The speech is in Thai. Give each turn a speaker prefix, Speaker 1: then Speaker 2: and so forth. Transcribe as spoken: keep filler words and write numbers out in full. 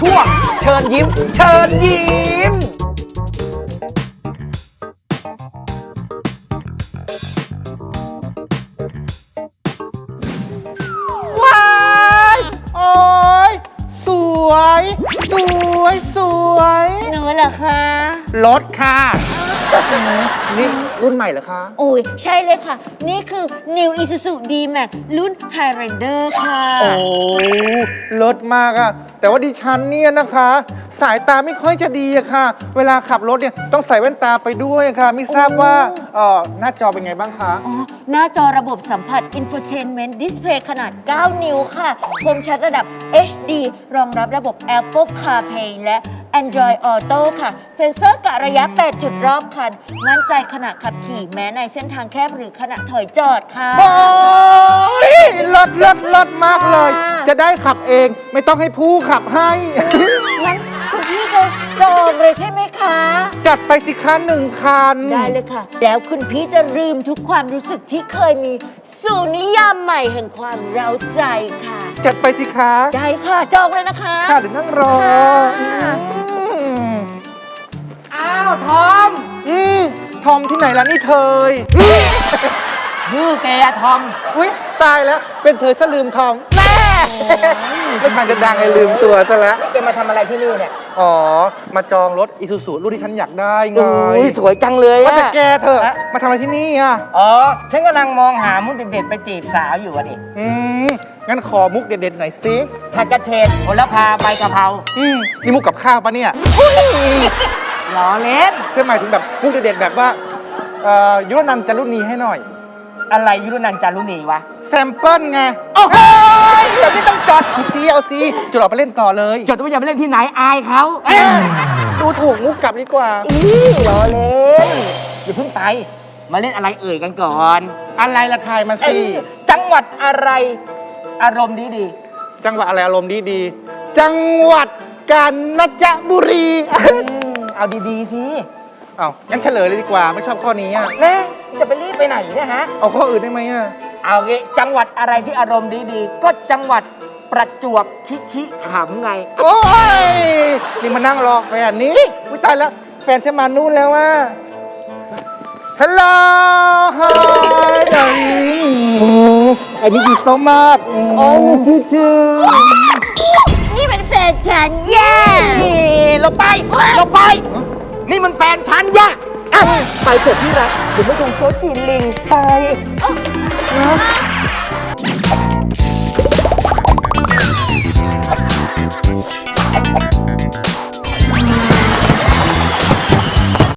Speaker 1: ช่วงเชิญยิ้มเชิญยิ้มว้ายโอ้ยสวยสวยสวย
Speaker 2: หนูเหรอคะ
Speaker 1: รถค่ะนี่รุ่นใหม่เหรอคะ
Speaker 2: โอ้ยใช่เลยค่ะ นี่คือ New Isuzu D-Max รุ่น Highlander ค่ะ
Speaker 1: โอ้รถมากอะแต่ว่าดิฉันเนี่ยนะคะ สายตาไม่ค่อยจะดีอะค่ะ เวลาขับรถเนี่ยต้องใส่แว่นตาไปด้วยค่ะ ไม่ทราบว่าเออหน้าจอเป็นไงบ้างคะ
Speaker 2: อ๋อ หน้าจอระบบสัมผัส Infotainment Display ขนาด เก้า นิ้วค่ะ คมชัดระดับ เอช ดี รองรับระบบ Apple CarPlay และ Android Auto ค่ะ เซ็นเซอร์กะระยะ แปด จุดรอบคัน มั่นใจขณะขับขี่แม้ในเส้นทางแคบหรือขณะถอยจอดค่ะ
Speaker 1: โอ้ยรถรถรถมากเลย จะได้ขับเองไม่ต้องให้ผู้ขับให้
Speaker 2: งั้นคุณพี่จะจองเลยใช่ไหมคะ
Speaker 1: จัดไปสิคะหนึ่งคัน
Speaker 2: ได้เลยค่ะ แล้วคุณพี่จะลืมทุกความรู้สึกที่เคยมีสู่นิยามใหม่แห่งความเร้าใจค่ะ
Speaker 1: จัดไปสิคะ
Speaker 2: ได้ค่ะ จองเลยนะคะ
Speaker 1: ค่ะเดี๋ยวนั่งรอ
Speaker 2: ค่ะ
Speaker 1: อืม
Speaker 3: อ้าวทอม
Speaker 1: อืมทอมที่ไหนล่ะนี่เธย
Speaker 3: ชื่อแกอะทอม
Speaker 1: อุ้ยตายแล้ว เป็นเธอซะลืมทองแม่ไม่ทันจะดังไอ้ลืมตัวซะแล้ว
Speaker 3: แกมาทำอะไรที่นี่เนี่ย
Speaker 1: อ๋อ มาจองรถอีซูซูรุ่นที่ฉันอยากได้ไง
Speaker 3: โอ้ยสวยจังเลย
Speaker 1: ว่า
Speaker 3: อะ
Speaker 1: แต่แกเธอะมาทำอะไรที่นี่อ่ะ
Speaker 3: อ๋อ ฉันกำลังมองหามุกเด็ดๆไปจีบสาวอยู่อะดิ
Speaker 1: อืม งั้นขอมุกเด็ดๆหน่อยสิ
Speaker 3: ผัดกระเฉดโหระพาใบกะเพรา
Speaker 1: อืม นี่มุกกับข้าวปะเนี่ย
Speaker 3: ล้อเล่น
Speaker 1: ใช่หมายถึงแบบมุกเด็ดๆแบบว่าเอ่อยุรนันท์จารุณีให้หน่อย
Speaker 3: อะไรยุรนันท์จารุณีวะ
Speaker 1: แซมเปิลไง
Speaker 3: โอ้โหเดี๋ยวไม่ต้องจด
Speaker 1: เอาซีเอาซีจุดออกไปเล่นต่อเลย
Speaker 3: จดว่าอย่าไปเล่นที่ไหนอายเขา
Speaker 1: เอ้ยดูถูกมุกกลับดีกว่า
Speaker 3: ล้อเล่นอย่าเพิ่งไป มาเล่นอะไรเอ่ยกันก่อน
Speaker 1: อะไรละทายมา
Speaker 3: เอ้
Speaker 1: สิ
Speaker 3: ยจังหวัดอะไร อารมณ์ดีดี
Speaker 1: จังหวัดอะไรอารมณ์ดีดีๆจังหวัดกาญจนบุรี
Speaker 3: ๆอืมเอาดีๆสิ
Speaker 1: เอางั้นเฉลยเลยดีกว่า ไม่ชอบข้อนี้อ่ะ
Speaker 3: แม่จะไปรีบไปไหนเนี่ยฮะ
Speaker 1: เอาข้ออื่นได้ไหมอ่ะ
Speaker 3: เอางี้จังหวัดอะไรที่อารมณ์ดีๆ ก็จังหวัดประจวบคิคิขำไง
Speaker 1: โอ้ย นี่มานั่งรอแฟนนี้อุ้ยตายแล้ว แฟนฉันมานู่นแล้วว่าฮัลโหลฮายอันนี้ดีโซมากโอ้ยชื่อชื่อ
Speaker 2: นี่เป็นแฟนฉันแย่
Speaker 3: นี่เราไปเราไป นี่มันแฟนฉันย่ะอ่ะไปเถอะที่รักเดี๋ยวไม่ตรงโต๊ะจีนลิงไป
Speaker 1: เ